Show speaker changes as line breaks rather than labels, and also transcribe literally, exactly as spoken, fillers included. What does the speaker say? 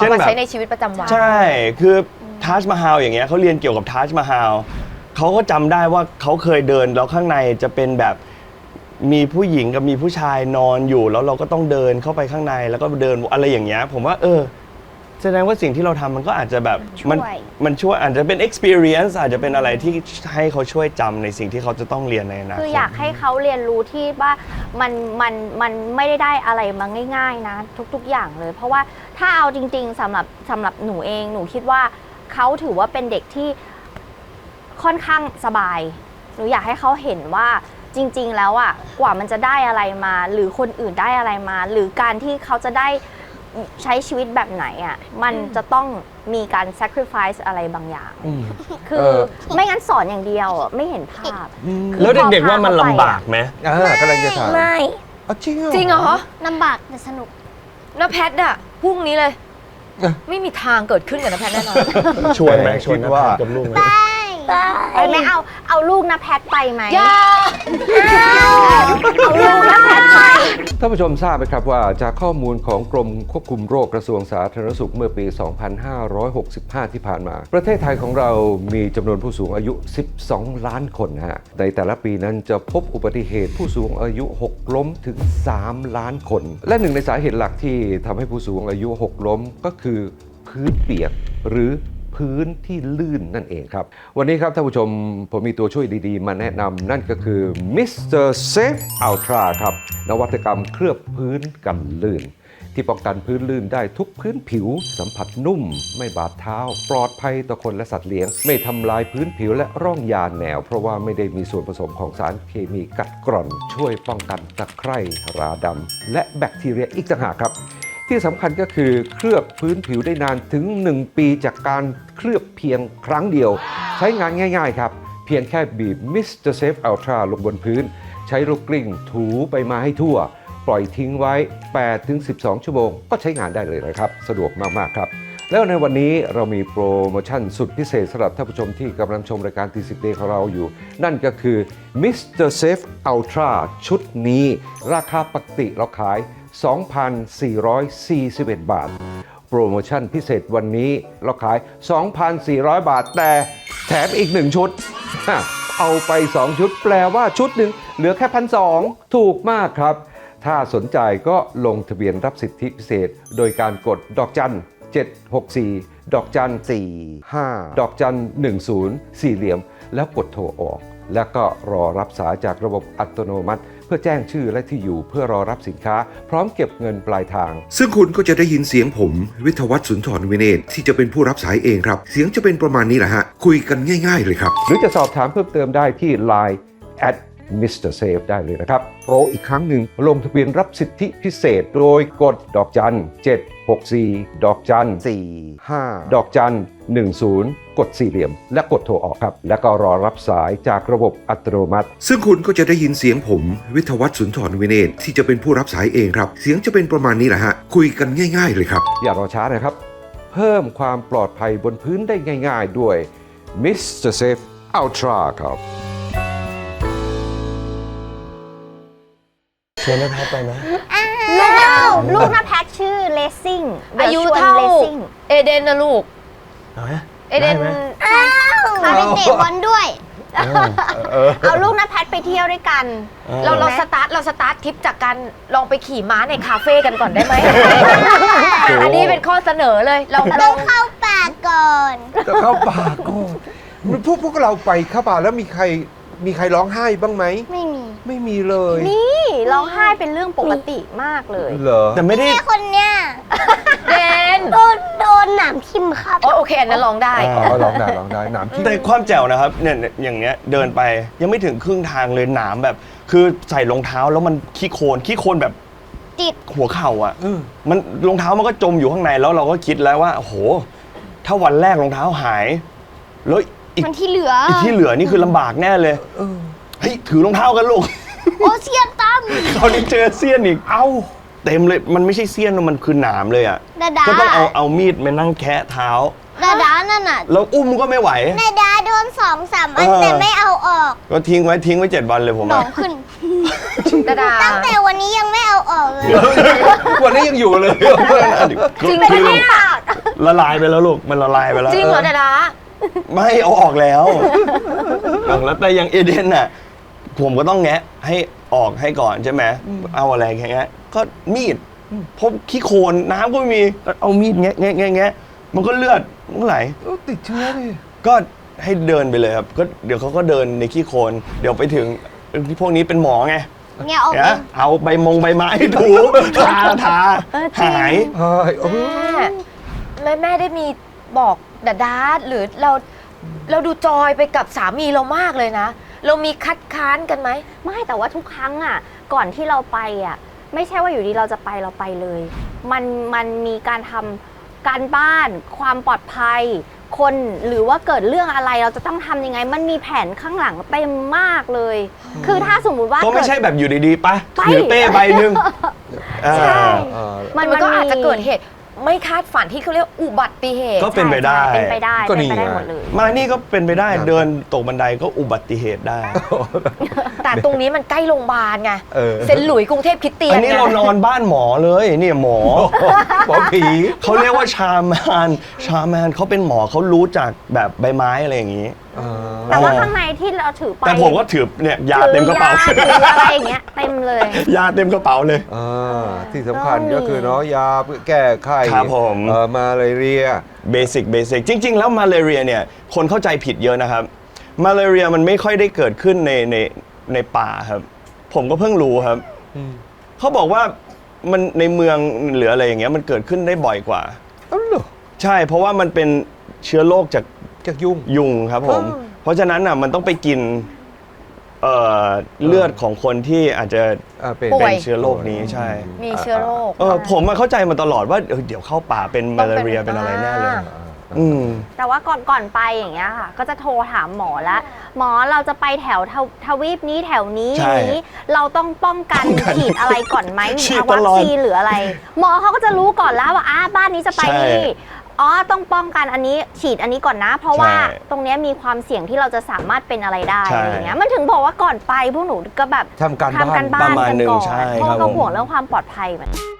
ช่นแบบใช้ในชีวิตประจำวัน
ใช่คือทัชมาฮาลอย่างเงี้ยเขาเรียนเกี่ยวกับทัชมาฮาลเขาก็จำได้ว่าเขาเคยเดินแล้วข้างในจะเป็นแบบมีผู้หญิงกับมีผู้ชายนอนอยู่แล้วเราก็ต้องเดินเข้าไปข้างในแล้วก็เดินอะไรอย่างเงี้ยผมว่าเออแสดงว่าสิ่งที่เราทำมันก็อาจจะแบบมันมันช่วยอาจจะเป็น experience อาจจะเป็นอะไรที่ให้เขาช่วยจำในสิ่งที่เขาจะต้องเรียนในอนาคต
คืออยากให้เขาเรียนรู้ที่ว่ามันมันมันไม่ได้ได้อะไรมาง่ายๆนะทุกๆอย่างเลยเพราะว่าถ้าเอาจริงๆสำหรับสำหรับหนูเองหนูคิดว่าเขาถือว่าเป็นเด็กที่ค่อนข้างสบายหนูอยากให้เขาเห็นว่าจริงๆแล้วอ่ะกว่ามันจะได้อะไรมาหรือคนอื่นได้อะไรมาหรือการที่เขาจะได้ใช้ชีวิตแบบไหนอ่ะมันจะต้องมีการ sacrifice อะไรบางอย่างคือไม่งั้นสอนอย่างเดียวไม่เห็นภาพ
แล้วเด็กๆว่ามันลำบากไหม
กำลังจะถาม
ไม่
จริงเหรอ
จริงเหรอ
ลำบากแต่สนุก
น้าแพทอะพรุ่งนี้เลยไม่มีทางเกิดขึ้นกับน้าแพทแน่นอน
ชวนไหมชวนน้าแพทกับลูกไหม
ไปไหมเอาเอาลูกน้าแพทไปไหม
อย่า
เอาลูกน้าแพทไป
ท่านผู้ชมทราบไหมครับว่าจากข้อมูลของกรมควบคุมโรคกระทรวงสาธารณสุขเมื่อปี สองพันห้าร้อยหกสิบห้า ที่ผ่านมาประเทศไทยของเรามีจำนวนผู้สูงอายุ สิบสอง ล้านคนฮะในแต่ละปีนั้นจะพบอุบัติเหตุผู้สูงอายุหกล้มถึง สาม ล้านคนและหนึ่งในสาเหตุหลักที่ทำให้ผู้สูงอายุหกล้มก็คือพื้นเปียกหรือพื้นที่ลื่นนั่นเองครับวันนี้ครับท่านผู้ชมผมมีตัวช่วยดีๆมาแนะนำนั่นก็คือ มิสเตอร์ Safe Ultra ครับนวัตกรรมเคลือบพื้นกันลื่นที่ป้องกันพื้นลื่นได้ทุกพื้นผิวสัมผัสนุ่มไม่บาดเท้าปลอดภัยต่อคนและสัตว์เลี้ยงไม่ทำลายพื้นผิวและร่องยาแนวเพราะว่าไม่ได้มีส่วนผสมของสารเคมีกัดกร่อนช่วยป้องกันตะไคร่ราดำและแบคทีเรียอีกต่างหากครับที่สำคัญก็คือเคลือบพื้นผิวได้นานถึงหนึ่งปีจากการเคลือบเพียงครั้งเดียวใช้งานง่ายๆครับเพียงแค่บีบ มิสเตอร์ Safe Ultra ลงบนพื้นใช้ลูกกลิ้งถูไปมาให้ทั่วปล่อยทิ้งไว้ แปดถึงสิบสอง ชั่วโมงก็ใช้งานได้เลยนะครับสะดวกมากๆครับแล้วในวันนี้เรามีโปรโมชั่นสุดพิเศษสำหรับท่านผู้ชมที่กำลังชมรายการ ที สิบ Day ของเราอยู่นั่นก็คือ มิสเตอร์ Safe Ultra ชุดนี้ราคาปกติเราขายสองพันสี่ร้อยสี่สิบเอ็ด บาทโปรโมชั่นพิเศษวันนี้เราขาย สองพันสี่ร้อย บาทแต่แถมอีกหนึ่งชุดเอาไปสองชุดแปลว่าชุดหนึ่งเหลือแค่ หนึ่งพันสองร้อย ถูกมากครับถ้าสนใจก็ลงทะเบียนรับสิทธิพิเศษโดยการกดดอกจันเจ็ดหกสี่ดอกจันสี่ห้าดอกจันหนึ่งศูนย์สี่เหลี่ยมแล้วกดโทรออกแล้วก็รอรับสายจากระบบอัตโนมัติเพื่อแจ้งชื่อและที่อยู่เพื่อรอรับสินค้าพร้อมเก็บเงินปลายทาง
ซึ่งคุณก็จะได้ยินเสียงผมวิทยวัฒน์สุนทรวิเนศที่จะเป็นผู้รับสายเองครับเสียงจะเป็นประมาณนี้แหละฮะคุยกันง่ายๆเลยครับ
หรือจะสอบถามเพิ่มเติมได้ที่ ไลน์ แอท มิสเตอร์ Safe ได้เลยนะครับโปรอีกครั้งหนึ่งลงทะเบียนรับสิทธิพิเศษโดยกดดอกจันเจ็ดหกสี่ดอกจันสี่ห้าดอกจันหนึ่งศูนย์กดสี่เหลี่ยมและกดโทรออกครับแล้วก็รอรับสายจากระบบอัตโนมัติ
ซึ่งคุณก็จะได้ยินเสียงผมวิทยวัฒน์สุนทรวิเนศที่จะเป็นผู้รับสายเองครับเสียงจะเป็นประมาณนี้แหละฮะคุยกันง่ายๆเลยครับ
อย่ารอช้านะครับเพิ่มความปลอดภัยบนพื้นได้ง่ายๆด้วย มิสเตอร์ Safe Ultra ครับ
เชิญน้าแพทไปไหม
ลูกลูกน้าแพทชื่อเลสซิ่ง
อายุเท่าเอเดนนะลูก
เอเดน
เขาไปเตะบอลด้วย
เอาลูกน้าแพทไปเที่ยวด้วยกัน
เราเราสตาร์ทเราสตาร์ททริปจากการลองไปขี่ม้าในคาเฟ่กันก่อนได้ไหมอันนี้เป็นข้อเสนอเลยเรา
ต้องเข้าป่าก่อน
ต้องเข้าป่าก่อนพวกพวกเราไปเข้าป่าแล้วมีใครมีใครร้องไห้บ้างไหม
ไม่มี
ไม่มีเลย
นี่ร้องไห้เป็นเรื่องปกติมากเลย
เหรอ
แต่ไม่ได้
คนเนี้ย
เดน
โดนโดนหนามทิ่มครับ
โอเคอันนั้นร้องได้
อ๋อร้องได้ร้องได้หนามทิ่ม
แต่ความแจ๋วนะครับเนี่ยอย่างเนี้ยเดินไปยังไม่ถึงครึ่งทางเลยหนามแบบคือใส่รองเท้าแล้วมันขี้โคลนขี้โคลนแบบ
ติด
หัวเข่าอ่ะมันรองเท้ามันก็จมอยู่ข้างในแล้วเราก็คิดแล้วว่าโอ้โหถ้าวันแรกรองเท้าหายแล้ว
อีกที่เหลือ
อีกที่เหลือนี่คือลำบากแน่เลยเฮ้ยถือรองเท้ากันลูก
โอ้เสี้ยนตั้ม
เขานี่เจอเสี้ยนอีกเอ้าเต็มเลยมันไม่ใช่เสี้ยนมันคือหนามเลยอ่ะก็ต้องเอาเอามีดมานั่งแคะเท้า
ดาดานั่นน่ะ
แล้วอุ้มก็ไม่ไหว
ดาดาโดนสองสามอันแต่ไม่เอาออก
ก็ทิ้งไว้ทิ้งไว้เจ็ดวันเลยผม
หนองขึ้น
ดาดา
ตั้งแต่วันนี้ยังไม่เอาออกเลย
วันนี้ยังอยู่เลย
จริงไหมเนี่ย
ละลายไปแล้วลูกมันละลายไปแล้ว
จริงเหรอดาดา
ไม่เอาออกแล้วแล้วแต่อย่างเอเดนน่ะผมก็ต้องแงะให้ออกให้ก่อนใช่ไหมเอาอะไรแงะก็มีดพบขี้โคลนน้ำก็ไม่มีก็เอามีดแงะแงะแงะแงะมันก็เลือดมันก็ไหล
ติดเชื้อดิ
ก็ให้เดินไปเลยครับก็เดี๋ยวเขาก็เดินในขี้โคลนเดี๋ยวไปถึงที่พวกนี้เป็นหมอไง
เงี้ยออก
เดี๋ยวเอาใบมงใบไม้ถูทาทาหาย
เฮ้ยโอ้
แม่แม่แม่ได้มีบอกดาดาหรือเราเราดูจอยไปกับสามีเรามากเลยนะ เรามีคัดค้านกันไหม
ไม่แต่ว่าทุกครั้งอ่ะก่อนที่เราไปอ่ะไม่ใช่ว่าอยู่ดีเราจะไปเราไปเลย มันมันมีการทำการบ้านความปลอดภัย คนหรือว่าเกิดเรื่องอะไรเราจะต้องทำยังไง มันมีแผนข้างหลังเต็มมากเลย คือถ้าสมมุติว่า
ก็ไม่ใช่
เกิด
แบบอยู่ดีๆปะ
ไป
ถือเป้ใบหนึ่ง
ใช่
อ่า
มันมันก็อาจจะเกิดเหตุไม่คาดฝันที่เขาเรียกอุบัติเหตุ
ก็เป็นไปได้
ใช่เป็นไปได้
ก็
เป็น
นี่
ไปได้
ไง
หมดเลย
มานี่ก็เป็นไปได้เดินตกบันไดก็อุบัติเหตุได้
แต่ตรงนี้มันใกล้โรงพยาบาลไง
เออ
เซนต์หลุยส์กรุงเทพคริสเตียน
อันนี้
ไง
เรานอนบ้านหมอเลยเนี่ยหมอ
หมอผี
เขาเรียกว่าชามานชามานเขาเป็นหมอเขารู้จักแบบใบไม้อะไรอย่างนี้
แต่ว่าข้างในที่เราถือไป
แต่ผมก็ถือเนี่ยยาเต็มกระเป๋า
ถือยาถืออะไรอย่างเงี้ยเต็มเลย
ยาเต็มกระเป๋าเลย
อ่าที่สำคัญ
ต้องมี
ก็คือเนาะยาแก้ไข้
ครับผม
เอ่อมาลาเรีย
เบสิกเบสิกจริง ๆ แล้วมาลาเรียเนี่ยคนเข้าใจผิดเยอะนะครับมาลาเรียมันไม่ค่อยได้เกิดขึ้นในในในป่าครับ ผมก็เพิ่งรู้ครับเขาบอกว่ามันในเมืองหรืออะไรอย่างเงี้ยมันเกิดขึ้นได้บ่อยกว่า
เอ้าเหรอ
ใช่เพราะว่ามันเป็นเชื้อโรคจาก
จากยุ่ง
ยุงครับผม เพราะฉะนั้นอ่ะมันต้องไปกินเอ่อเลือดของคนที่อาจจะ
อ่าเป็น
ป่
เป็
วย
นเชื้อโรคนี้ใช่
มีเชื้อโรค
เออผมมาเข้าใจมาตลอดว่าเออเดี๋ยวเข้าป่าเป็นมาลาเรียเป็นอะไรแน่เลย
อ่า
อืม
แต่ว่าก่อนก่อนไปอย่างเงี้ยค่ะ ก็จะโทรถามหมอแล้ว หมอเราจะไปแถวทวทวีปนี้แถวนี้
ใช่
นี้ เราต้องป้องกัน
ป้องกัน
ฉีดอะไรก่อนไหม
ฉีด
วั
ต
ค
ลอด
ซีนหรืออะไร หมอเขาก็จะรู้ก่อนแล้วว่าอ้าบ้านนี้จะไป
ใช่
นี่อ๋อต้องป้องกันอันนี้ฉีดอันนี้ก่อนนะ เพราะว่า
ใช่
ตรงเนี้ยมีความเสี่ยงที่เราจะสามารถเป็นอะไรได้
ใช่
อะไรอย่างเงี้ยมันถึงบอกว่าก่อนไปพวกหนูก็แบบ
ทำการบ้าน
ทำการบ้าน
ประมาณ
กัน
หนึ่ง
ก่อน
ใช่
เพราะ
ครับ
เรา
ผม
ห่วงเรื่องความปลอดภัยเหมือนกัน